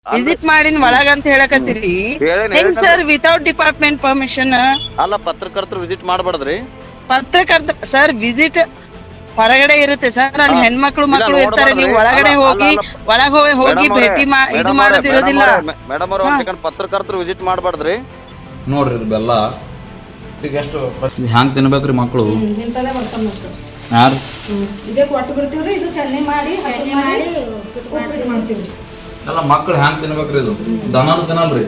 Visit ಮಾಡಿನ ಒಳಗ ಅಂತ ಹೇಳಕತ್ತೀರಿ ಹೆಂಗ್ ಸರ್ ವಿತೌಟ್ ಡಿಪಾರ್ಟ್ಮೆಂಟ್ ಪರ್ಮಿಷನ್? ಅಲ್ಲ ಪತ್ರಕರ್ತರು ವಿಸಿಟ್ ಮಾಡಬಾರ್ದ್ರಿ. ಪತ್ರಕರ್ತ ಸರ್ ವಿಸಿಟ್ ಹೊರಗಡೆ ಇರುತ್ತೆ ಸರ್, ಅಲ್ಲಿ ಹೆಣ್ಮಕ್ಳು ಮಕ್ಕಳು ಇರ್ತಾರೆ, ನೀವು ಒಳಗಡೆ ಹೋಗಿ ಹೋಗಿ ಭೇಟಿ ಇದು ಮಾಡೋದಿರೋದಿಲ್ಲ. ಮೇಡಮ್ ಅವ್ರ ಒಂದ್ ಸೆಕೆಂಡ್, ಪತ್ರಕರ್ತರು ವಿಸಿಟ್ ಮಾಡಬಾರ್ದ್ರಿ. ನೋಡ್ರಿ ಇದು ಬೆಲ್ಲ ಈಗ ಎಷ್ಟು ಹ್ಯಾಂಗ್ ತಿನ್ಬೇಕ್ರಿ ಮಕ್ಕಳು? ಯಾರು ಇದೇ ಕೊಟ್ಟು ಬಿಡ್ತೀವ್ರಿ, ಇದು ಚಟ್ನಿ ಮಾಡಿ ಮಾಡ್ತೀವಿ. ಎಲ್ಲ ಮಕ್ಕಳು ಹ್ಯಾಂಗ್ ತಿನ್ಬೇಕ್ರಿ? ಇದು ದನನು ತಿನ್ನಲ್ರಿ.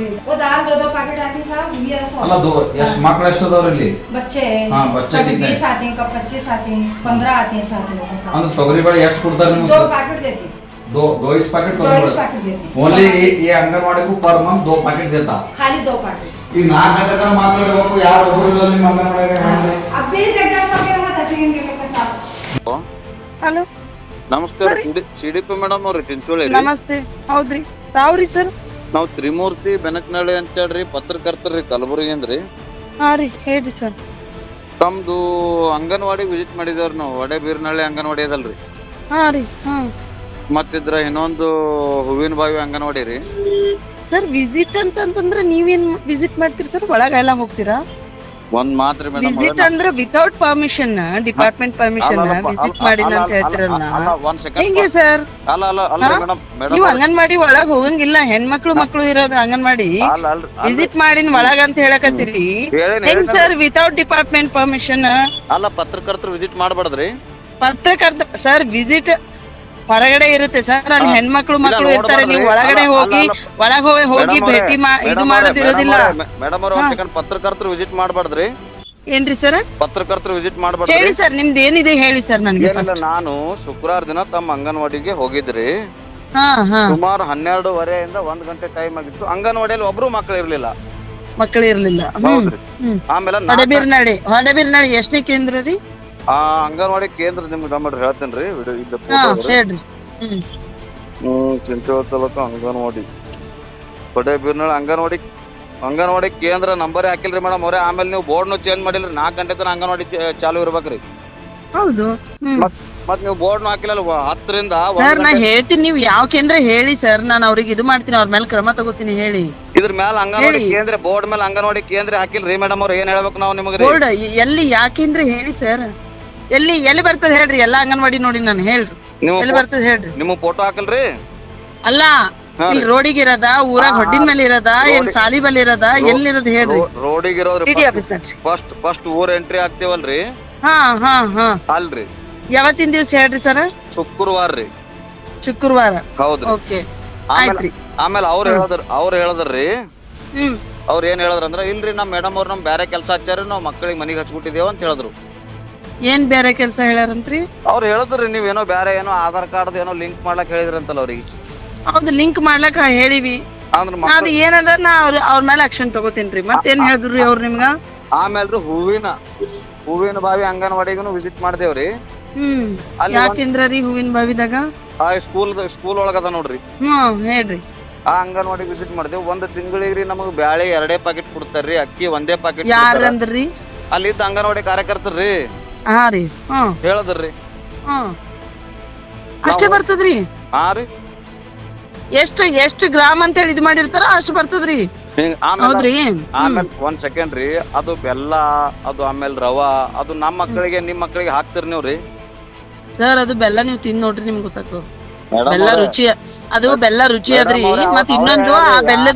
ಅಲ್ಲ ಎಷ್ಟು ಮಕ್ಳು ಎಷ್ಟು ಅದಾವ್ರಿ ಇಲ್ಲಿ? बच्चे हाँ बच्चे कितने? 20 आते हैं, कब 25 आते हैं, 15 आते हैं साथ में. ಅಂದ್ರೆ ತೊಗರಿ ಬೇಳೆ ಎಷ್ಟು ಕೊಡ್ತಾರೆ ನಿಮ್ಗೆ? 2 पैकेट देते हैं. दो इस पैकेट दो इस पैकेट देते हैं. ओनली ये अंगनवाड़ी को पर मंथ 2 पैकेट देता. खाली 2 पैकेट. ಈಗ 4 ಗಂಟೆ ತನಕ ಮಾತಾಡಬೇಕು, ಯಾರು ಒಬ್ಬರು ಇಲ್ಲ ನಿಮ್ಮ ಅಂಗನವಾಡಿ. अभी एग्जाम सबके वहां तटेंगे के साथ. ಹಲೋ ನಮಸ್ಕಾರ, ಸಿಡಿಪಿ ಮೇಡಮ್ ಅವ್ರಿ ಚಿಂಚೋಳಿ. ನಮಸ್ತೆ. ಹೌದ್ರಿ, ತಾವ್ರಿ ಸರ್? ನಾವ್ ತ್ರಿಮೂರ್ತಿ ಬೆನಕನಹಳ್ಳಿ ಅಂತ ಹೇಳ್ರಿ, ಪತ್ರಕರ್ತರಿ ಕಲಬುರಗಿ ಅಂದ್ರಿ. ಹಾ ರೀ, ಹೇಳ್ರಿ ಸರ್. ತಮ್ದು ಅಂಗನವಾಡಿ ವಿಸಿಟ್ ಮಾಡಿದವ್ರಿ ನಾವು. ವಡೆ ಬೀರ್ನಹಳ್ಳಿ ಅಂಗನವಾಡಿ ಅದಲ್ರಿ. ಹಾ ರೀ. ಹಾ ಮತ್ತಿದ್ರ ಇನ್ನೊಂದು ಹೂವಿನ ಬಾವಿ ಅಂಗನವಾಡಿ ರೀ. ಸರ್ ವಿಸಿಟ್ ಅಂತಂದ್ರೆ ನೀವೇನ್ ವಿಸಿಟ್ ಮಾಡ್ತೀರಿ ಸರ್? ಒಳಗ ಎಲ್ಲ ಹೋಗ್ತೀರಾ? ಒಂದ್ ಮಾತ್ರ ಮೇಡಮ್, ವಿಸಿಟ್ ಅಂದ್ರೆ without permission, department permission visit ಮಾಡಿನ ಅಂತ ಹೇಳ್ತಿರಲ್ಲ, ಒಂದ್ ಸೆಕೆಂಡ್. ಹೆಂಗೆ ಸರ್? ಅಲ್ಲ ಅಲ್ಲ ಅಲ್ಲ ಮೇಡಮ್, ನೀವು ಅಂಗನವಾಡಿ ಒಳಗ್ ಹೋಗಂಗಿಲ್ಲ, ಹೆಣ್ಮಕ್ಳು ಮಕ್ಳು ಇರೋದು ಅಂಗನವಾಡಿ ವಿಸಿಟ್ ಮಾಡಿನ ಒಳಗ ಅಂತ ಹೇಳಕತ್ತೀರಿ ಹೆಂಗ್ ಸರ್? Without department permission. ಅಲ್ಲ ಪತ್ರಕರ್ತರು ವಿಸಿಟ್ ಮಾಡಬಾರ್ದ್ರಿ. ಪತ್ರಕರ್ತ ಸರ್ ವಿಸಿಟ್ ಹೊರಗಡೆ ಇರುತ್ತೆ ಸರ್, ಅಲ್ಲಿ ಹೆಣ್ಮಕ್ಳು ಮಕ್ಳು ಇರ್ತಾರೆ, ನೀವು ಒಳಗಡೆ ಹೋಗಿ ಹೋಗಿ ಭೇಟಿ ಇದು ಮಾಡೋದಿರೋದಿಲ್ಲ. ಮೇಡಮ್ ಅವ್ರ ಒಂದ್ ಸೆಕೆಂಡ್, ಪತ್ರಕರ್ತರು ವಿಸಿಟ್ ಮಾಡಬಾರ್ದ್ರಿ. ಏನ್ರಿ ಸರ್? ಪತ್ರಕರ್ತರು ವಿಸಿಟ್ ಮಾಡಬಾರ್ದ್ರಿ. ಹೇಳಿ ಸರ್, ನಿಮ್ದು ಏನಿದೆ ಹೇಳಿ ಸರ್ ನನಗೆ. ನಾನು ಶುಕ್ರವಾರ ದಿನ ತಮ್ಮ ಅಂಗನವಾಡಿಗೆ ಹೋಗಿದ್ರಿ. ಹಾ ಹಾ. ಸುಮಾರು 12:30 ಇಂದ 1 ಗಂಟೆ ಟೈಮ್ ಆಗಿತ್ತು. ಅಂಗನವಾಡಿಯಲ್ಲಿ ಒಬ್ರು ಮಕ್ಕಳು ಇರ್ಲಿಲ್ಲ. ಮಕ್ಕಳು ಇರ್ಲಿಲ್ಲ. ಆಮೇಲೆ ಹೊಡೆಬೀರ್ನಾಳಿ ಎಷ್ಟನೇ ಕೇಂದ್ರ ರೀ? ಆ ಅಂಗನವಾಡಿ ಕೇಂದ್ರ ನಿಮ್ಗೆ ನಂಬರ್ ಹೇಳ್ತೇನ್ರಿ. ಹೇಳ್ರಿ. ಚಿಂಚೋಳಿ ತಾಲೂಕು ಅಂಗನವಾಡಿ ಹೊಡೆಬೀರ್ನಾಳಿ ಅಂಗನವಾಡಿ ಕೇಂದ್ರ ನಂಬರ್ ಹಾಕಿಲ್ರಿ ಮೇಡಮ್ ಅವ್ರೆ. ಆಮೇಲೆ ನೀವು ಬೋರ್ಡ್ನು ಚೇಂಜ್ ಮಾಡಿಲ್ರಿ. 4 ಗಂಟೆ ತನಕ ಅಂಗನವಾಡಿ ಚಾಲು ಇರ್ಬೇಕ್ರಿ. ಹೌದು. ಮತ್ ನೀವು ಬೋರ್ಡ್ ಹಾಕಿಲ್ಲ. 10 ರಿಂದ ಸರ್ ನಾ ಹೇಳ್ತೀನಿ, ನೀವು ಯಾವ ಕೇಂದ್ರ ಹೇಳಿ ಸರ್, ನಾನು ಅವ್ರಿಗೆ ಇದು ಮಾಡ್ತೀನಿ, ಅವ್ರ ಮೇಲೆ ಕ್ರಮ ತಗೋತೀನಿ. ಹೇಳಿ. ಇದ್ರ ಮೇಲೆ ಅಂಗನವಾಡಿ ಕೇಂದ್ರ, ಬೋರ್ಡ್ ಮೇಲೆ ಅಂಗನವಾಡಿ ಕೇಂದ್ರ ಹಾಕಿಲ್ರಿ ಮೇಡಮ್ ಅವ್ರ. ಏನ್ ಹೇಳ್ಬೇಕು ನಾವು ನಿಮಗೆ? ಬೋರ್ಡ್ ಎಲ್ಲಿ ಯಾಕೇಂದ್ರ ಹೇಳಿ ಸರ್, ಎಲ್ಲಿ ಬರ್ತದೆ ಹೇಳ್ರಿ? ಎಲ್ಲಾ ಅಂಗನವಾಡಿ ನೋಡಿ ನಾನು ಹೇಳ್ರಿ, ಎಲ್ಲಿ ಬರ್ತದೆ ಹೇಳ್ರಿ? ನಿಮ್ಮ ಫೋಟೋ ಹಾಕಲ್ರಿ? ಅಲ್ಲ, ಇಲ್ಲಿ ರೋಡಿಗೆ ಇರೋದ, ಊರಾಗ ಹೊಡ್ಡಿನ ಮೇಲೆ ಇರೋದ, ಏನ್ ಸಾಲಿ ಬಲ್ಲಿ ಇರೋದ, ಎಲ್ಲಿರೋದ್ ಹೇಳ್ರಿ? ರೋಡಿಗೆ ಇರೋದ್ರಿ. ಟಿಡಿ ಆಫೀಸ್ ಫಸ್ಟ್ ಊರ್ ಎಂಟ್ರಿ ಆಗ್ತೇವಲ್ರಿ? ಹಾ ಹಾ ಹಾ. ಅಲ್ರಿ, ಯಾವತ್ತಿನ ದಿವ್ಸ ಹೇಳ್ರಿ ಸರ್? ಶುಕ್ರವಾರ ರೀ. ಶುಕ್ರವಾರ. ಹೌದ್ರಿ. ಓಕೆ, ಆಯ್ತ್ರಿ. ಆಮೇಲೆ ಅವ್ರು ಹೇಳದ್ರಿ. ಅವ್ರ ಏನ್ ಹೇಳದ್ರ ಇಲ್ರಿ ನಮ್ ಮೇಡಮ್ ಅವ್ರ ನಮ್ ಬ್ಯಾರೆ ಕೆಲ್ಸ ಹಚ್ಚಾರ, ನಾವ್ ಮಕ್ಕಳಿಗೆ ಮನಿಗ್ ಹಚ್ಬಿಟ್ಟಿದೇವ ಅಂತ ಹೇಳಿದ್ರು. ಏನ್ ಬೇರೆ ಕೆಲ್ಸ ಹೇಳಾರಂತ್ರಿ? ಅವ್ರು ಹೇಳಿದ್ರಿ ನೀವೇನೋ ಬ್ಯಾರೆ ಏನೋ ಆಧಾರ್ ಕಾರ್ಡ್ ಏನೋ ಲಿಂಕ್ ಮಾಡ್ಲಕ್ ಹೇಳಿದ್ರಂತಲ್ಲ ಅವ್ರಿಗೆ. ಹೌದು, ಲಿಂಕ್ ಮಾಡ್ಲಕ್ ಹೇಳಿವಿ. ಅದು ಏನದ ನಾ ಅವ್ರ ಮೇಲೆ ಆಕ್ಷನ್ ತಗೋತೀನ್ರಿ. ಮತ್ತೇನ್ ಹೇಳಿದ್ರಿ ಅವ್ರು ನಿಮ್ಗ? ಆಮೇಲ್ರಿ ಹೂವಿನ ಬಾವಿ ಅಂಗನವಾಡಿಗೂ ವಿಸಿಟ್ ಮಾಡ್ದೇವ್ರಿ. ಯಾಕೇಂದ್ರ ರೀ ಹೂವಿನ ಬಾವಿದಾಗ? ಸ್ಕೂಲ್ ಒಳಗದ ನೋಡ್ರಿ. ಹೇಳ್ರಿ. ಆ ಅಂಗನವಾಡಿ ವಿಸಿಟ್ ಮಾಡ್ದೇವ್. 1 ತಿಂಗಳಿಗೆ ನಮಗ್ ಬ್ಯಾಳೆ 2 ಪ್ಯಾಕೆಟ್ ಕೊಡ್ತಾರ್ರಿ, ಅಕ್ಕಿ 1 ಪ್ಯಾಕೆಟ್. ಯಾರಂದ್ರಿ? ಅಲ್ಲಿದ್ದ ಅಂಗನವಾಡಿ ಕಾರ್ಯಕರ್ತರ್ರಿ. ಹಾ ರೀ. ಹೇಳದ್ರಿ. ಅಷ್ಟೇ ಬರ್ತದ್ರಿ? ಹಾ ರೀ. ಎಷ್ಟು ಗ್ರಾಮ್ ಅಂತ ಹೇಳಿ ಇದು ಮಾಡಿರ್ತಾರ ಅಷ್ಟು ಬರ್ತದ್ರಿ. ಹೌದ್ರಿ. ಆಮೇಲೆ 1 ಸೆಕೆಂಡ್ ರೀ, ಅದು ಬೆಲ್ಲ, ಅದು ಆಮೇಲೆ ರವಾ, ಅದು ನಮ್ಮ ಮಕ್ಕಳಿಗೆ ನಿಮ್ ಮಕ್ಕಳಿಗೆ ಹಾಕ್ತಿರ್ ನೀವ್ರಿ? ಸರ್ ಅದು ಬೆಲ್ಲ ನೀವು ತಿಂದ್ ನೋಡ್ರಿ, ನಿಮ್ಗೆ ಗೊತ್ತಾಗ್ತದ. ಬೆಲ್ಲ ರುಚಿ, ಅದು ಬೆಲ್ಲ ರುಚಿ ಅದ್ರಿ. ಮತ್ ಇನ್ನೊಂದು ಆ ಬೆಲ್ಲದ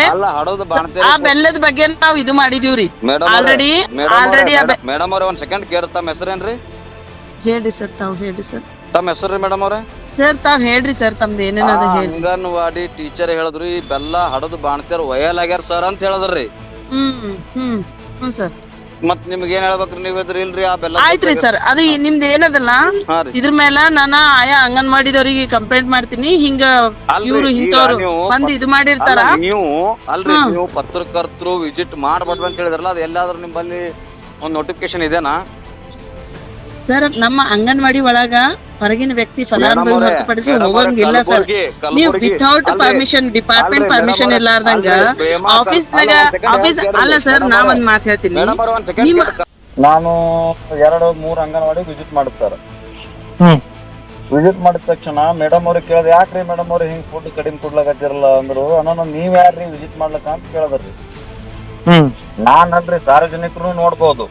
ಬಗ್ಗೆ ನಾವ್ ಇದು ಮಾಡಿದೀವ್ರಿ ಆಲ್ರೆಡಿ. ಮೇಡಮ್ ಅವ್ರ 1 ಸೆಕೆಂಡ್ ಕೇಳ, ತಮ್ಮ ಹೆಸರೇನ್ರಿ? ಹೇಳ್ರಿ ಸರ್, ತಾವ್ ಹೇಳ್ರಿ ಸರ್. ತಮ್ಮ ಹೆಸರು ಮೇಡಮ್ ಅವ್ರ? ಸರ್ ತಾವ್ ಹೇಳ್ರಿ ಸರ್, ತಮ್ದು ಏನೇನದ ಹೇಳ್ರಿ. ಅಂಗನವಾಡಿ ಟೀಚರ್ ಹೇಳಿದ್ರು ಈ ಬೆಲ್ಲ ಹಡದು ಬಾಣ್ತಾರ ಒಯ್ಯಲಾಗ್ಯಾರ ಸರ್ ಅಂತ ಹೇಳಿದ್ರಿ. Hmm sir. ಮತ್ ನಿಮ್ಗೆ ಏನ್ ಹೇಳ್ಬೇಕ್ರಿ? ನೀವ್ ಇಲ್ರಿ ಆ ಬೆಲ್ಲ. ಆಯ್ತ್ರಿ ಸರ್, ಅದು ನಿಮ್ದು ಏನದಲ್ಲ ಇದ್ರ ಮೇಲ ನಾನು ಆಯಾ ಅಂಗನವಾಡಿದವ್ರಿಗೆ ಕಂಪ್ಲೇಂಟ್ ಮಾಡ್ತೀನಿ. ಹಿಂಗ ಇವ್ರು ಇಂಥವ್ರು ಬಂದ್ ಇದು ಮಾಡಿರ್ತಾರ. ನೀವು ಅಲ್ರಿ, ನೀವು ಪತ್ರಕರ್ತರು ವಿಸಿಟ್ ಮಾಡ್ಬಾರ್ದು ಅಂತ ಹೇಳಿದ್ರಲ್ಲ, ಅದು ಎಲ್ಲಾದ್ರೂ ನಿಮ್ಮಲ್ಲಿ ಒಂದ್ ನೋಟಿಫಿಕೇಶನ್ ಇದೆನಾ? ಸರ್ ನಮ್ಮ ಅಂಗನವಾಡಿ ಒಳಗ ಹೊರಗಿನ ವ್ಯಕ್ತಿ ಫಲಾನುಭವಿ ಹೊರತುಪಡಿಸಿ ಹೋಗಂಗಿಲ್ಲ ಸರ್. ನೀವು ವಿತೌಟ್ ಪರ್ಮಿಷನ್, ಡಿಪಾರ್ಟ್ಮೆಂಟ್ ಪರ್ಮಿಷನ್ ಇರ್ಲಾರ್ದಂಗ ಆಫೀಸ್ ಅಲ್ಲ ಸರ್. ನಾ ಒಂದ್ ಮಾತು ಹೇಳ್ತೀನಿ, ನಾನು 2-3 ಅಂಗನವಾಡಿ ವಿಸಿಟ್ ಮಾಡುತ್ತಾರ. ವಿಸಿಟ್ ಮಾಡಿದ ತಕ್ಷಣ ಮೇಡಮ್ ಅವ್ರಿಗೆ ಕೇಳ್ದೆ, ಯಾಕ್ರಿ ಮೇಡಮ್ ಅವ್ರು ಹಿಂಗ್ ಫುಡ್ ಕಡಿಮೆ ಕೊಡ್ಲಾಕತ್ತಿರಲ್ಲ ಅಂದ್ರು. ಅಣ್ಣ ನೀವ್ ಯಾರ್ರಿ ವಿಸಿಟ್ ಮಾಡ್ಲಕ್ಕ ಅಂತ ಕೇಳದ್ರಿ. ನಾನ್ ಅಲ್ರಿ ಸಾರ್ವಜನಿಕರು ನೋಡ್ಬೋದು.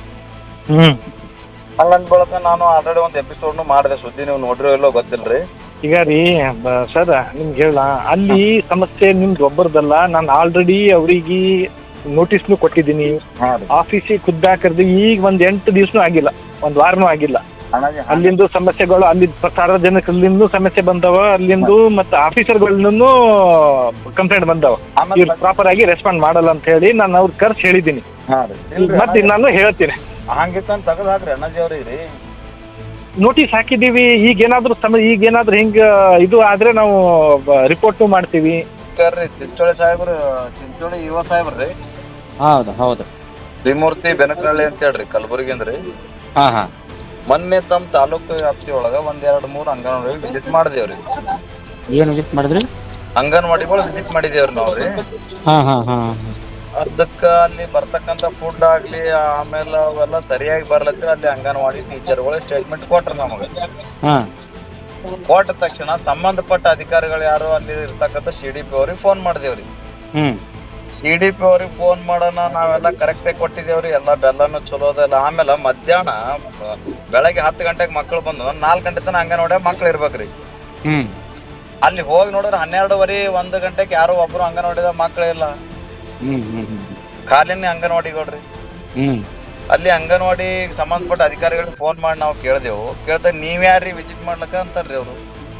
ಹಂಗಂದ್ ಬಳಕ ನಾನು ಆಲ್ರೆಡಿ ಒಂದ್ ಎಪಿಸೋಡ್ ಮಾಡಿದೆ, ಸುದ್ದಿ ನೀವು ನೋಡ್ರಿ ಇಲ್ಲೋ ಗೊತ್ತಿಲ್ರಿ. ಈಗ ರೀ ಸರ್ ನಿಮ್ಗೆ ಹೇಳ, ಅಲ್ಲಿ ಸಮಸ್ಯೆ ನಿಮ್ದು ಒಬ್ಬರದಲ್ಲ. ನಾನು ಆಲ್ರೆಡಿ ಅವ್ರಿಗೆ ನೋಟಿಸ್ನು ಕೊಟ್ಟಿದ್ದೀನಿ, ಆಫೀಸಿಗೆ ಖುದ್ದಾಕರ್ದು. ಈಗ ಒಂದ್ 8 ದಿವ್ಸನೂ ಆಗಿಲ್ಲ, ಒಂದ್ ವಾರನೂ ಆಗಿಲ್ಲ. ಅಲ್ಲಿಂದು ಸಮಸ್ಯೆಗಳು, ಅಲ್ಲಿ ಸಾರ್ವಜನಿಕರಿಂದ ಸಮಸ್ಯೆ ಬಂದವ, ಅಲ್ಲಿಂದು ಮತ್ತೆ ಆಫೀಸರ್ಗಳಿಂದೂ ಕಂಪ್ಲೇಂಟ್ ಬಂದವ. ಇವ್ರು ಪ್ರಾಪರ್ ಆಗಿ ರೆಸ್ಪಾಂಡ್ ಮಾಡಲ್ಲ ಅಂತ ಹೇಳಿ ನಾನು ಅವ್ರ ಕರ್ಸಿ ಹೇಳಿದ್ದೀನಿ. ಮತ್ತೆ ನಾನು ಹೇಳ್ತೀನಿ, ಹಂಗಿತ್ತಂತ ತಗದ್ ಹಾಕ್ರಿ ಅಣ್ಣಾಜಿ ಅವ್ರಿಗೆ. ನೋಟಿಸ್ ಹಾಕಿದೀವಿ. ಈಗೇನಾದ್ರೂ ಈಗೇನಾದ್ರೂ ಹಿಂಗ ಇದು ಆದ್ರೆ ನಾವು ರಿಪೋರ್ಟ್ ಮಾಡ್ತೀವಿ. ಚಿಂಚೋಳಿ ಸಾಹೇಬ್ರು, ಚಿಂಚೋಳಿ ಯುವ ಸಾಹೇಬ್ರಿ. ಹೌದು ಹೌದು. ತ್ರಿಮೂರ್ತಿ ಬೆನಕನಹಳ್ಳಿ ಅಂತ ಹೇಳ್ರಿ, ಕಲಬುರಗಿ ಅಂದ್ರಿ. ಮೊನ್ನೆ ತಮ್ಮ ತಾಲೂಕು ವ್ಯಾಪ್ತಿ ಒಳಗ 1-2-3 ಅಂಗನವಾಡಿ ವಿಸಿಟ್ ಮಾಡಿದೇವ್ರಿ. ಏನ್ ವಿಸಿಟ್ ಮಾಡಿದ್ರಿ? ಅಂಗನವಾಡಿಗಳು ವಿಸಿಟ್ ಮಾಡಿದೇವ್ರಿ ನಾವ್ರಿ. ಅದಕ್ಕ ಅಲ್ಲಿ ಬರ್ತಕ್ಕಂತ ಫುಡ್ ಆಗ್ಲಿ ಆಮೇಲೆ ಅವೆಲ್ಲ ಸರಿಯಾಗಿ ಬರ್ಲತ್ತಿ ಅಲ್ಲಿ ಅಂಗನವಾಡಿ ಟೀಚರ್ಗಳು ಸ್ಟೇಟ್ಮೆಂಟ್ ಕೊಟ್ರ ನಮಗ. ಕೊಟ್ಟ ತಕ್ಷಣ ಸಂಬಂಧಪಟ್ಟ ಅಧಿಕಾರಿಗಳು ಯಾರು ಅಲ್ಲಿ ಇರ್ತಕ್ಕಂಥ CDP ಅವ್ರಿಗೆ ಫೋನ್ ಮಾಡಿದೇವ್ರಿ. CDP ಅವ್ರಿಗೆ ಫೋನ್ ಮಾಡೋಣ, ನಾವೆಲ್ಲ ಕರೆಕ್ಟ್ ಕೊಟ್ಟಿದೇವ್ರಿ, ಎಲ್ಲಾ ಬೆಲ್ಲನು ಚಲೋ ಅದಲ್ಲ. ಆಮೇಲೆ ಮಧ್ಯಾಹ್ನ ಬೆಳಗ್ಗೆ 10 ಗಂಟೆಗೆ ಮಕ್ಳು ಬಂದು 4 ಗಂಟೆ ತನಕ ಅಂಗನವಾಡಿ ಮಕ್ಳು ಇರ್ಬೇಕ್ರಿ. ಅಲ್ಲಿ ಹೋಗಿ ನೋಡಿದ್ರೆ 12:30 1 ಗಂಟೆಗೆ ಯಾರು ಒಬ್ರು ಅಂಗನವಾಡಿದ ಮಕ್ಳೇ ಇಲ್ಲ, ಖಾಲಿನೇ ಅಂಗನವಾಡಿಗಳ್ರಿ. ಅಲ್ಲಿ ಅಂಗನವಾಡಿ ಸಂಬಂಧಪಟ್ಟ ಅಧಿಕಾರಿಗಳಿಗೆ ಫೋನ್ ಮಾಡಿ ನಾವು ಕೇಳ್ದೇವು. ಕೇಳ್ದಾಗ ನೀವ್ ಯಾರ್ರಿ ವಿಸಿಟ್ ಮಾಡ್ಲಕ್ಕ ಅಂತಾರ್ರಿ ಅವ್ರು.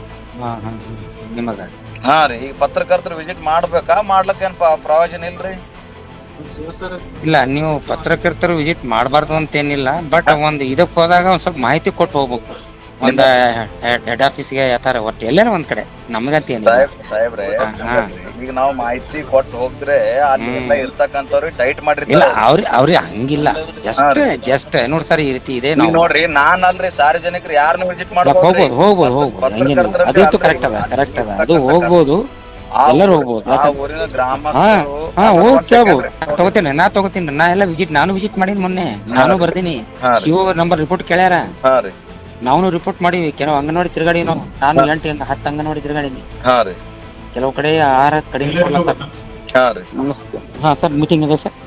ಹಾ ರೀ, ಈಗ ಪತ್ರಕರ್ತರು ವಿಸಿಟ್ ಮಾಡ್ಬೇಕಾ, ಮಾಡ್ಲಕ್ಕ ಏನ್ ಪ್ರಯೋಜನ ಇಲ್ರಿ? ಇಲ್ಲ, ನೀವು ಪತ್ರಕರ್ತರು ವಿಸಿಟ್ ಮಾಡಬಾರ್ದು ಅಂತೇನಿಲ್ಲ. ಬಟ್ ಒಂದ್ ಇದಕ್ ಹೋದಾಗ ಒಂದ್ ಸ್ವಲ್ಪ ಮಾಹಿತಿ ಕೊಟ್ಟು ಹೋಗ್ಬೇಕು. ಒಂದ್ ಹೆಡ್ ಆಫೀಸ್ಗೆ ಯಾತಾರ ಒಟ್ಟು ಎಲ್ಲಾರ ಒಂದ್ ಕಡೆ ನಮಗಂತ ಸಾಹೇಬ್ರೆ, ಈಗ ನಾವು ಮಾಹಿತಿ ಕೊಟ್ಟು ಹೋಗ್ರೆ ಅಲ್ಲಿ ಎಲ್ಲ ಇರ್ತಕ್ಕಂಥವ್ರಿಗೆ ಟೈಟ್ ಮಾಡಿರ್ತಾರ. ಅವ್ರಿಗೆ ಹಂಗಿಲ್ಲ, ಜಸ್ಟ್ ನೋಡಿ ಸರ್ ಈ ರೀತಿ ಇದೆ ನೋಡ್ರಿ. ನಾನ್ ಅಲ್ರಿ ಸಾರ್ವಜನಿಕರು ಯಾರನ್ನು ವಿಸಿಟ್ ಹೋಗ್ಬೋದು ಅದಂತೂ ಕರೆಕ್ಟ್ ಅದ ಅದು ಹೋಗ್ಬೋದು, ಎಲ್ಲರೂ ಹೋಗ್ಬೋದು. ಊರಿನ ಗ್ರಾಮಸ್ಥರು ಹೋಗಿ ನಾ ತಗೋತೀನಿ. ನಾನು ವಿಸಿಟ್ ಮಾಡೀನಿ ಮೊನ್ನೆ, ನಾನು ಬರ್ದೀನಿ. ಶಿವ ನಂಬರ್ ರಿಪೋರ್ಟ್ ಕೇಳ್ಯಾರ, ನಾವು ರಿಪೋರ್ಟ್ ಮಾಡಿವಿ. ಕೆಲವು ಅಂಗನವಾಡಿ ತಿರ್ಗಾಡಿ, ನಾನು 8-10 ಅಂಗನವಾಡಿ ತಿರ್ಗಾಡೀನಿ. ಕೆಲವು ಕಡೆ 6 ಕಡಿಮೆ. ಹಾ ಸರ್, ಮೀಟಿಂಗ್ ಇದೆ ಸರ್.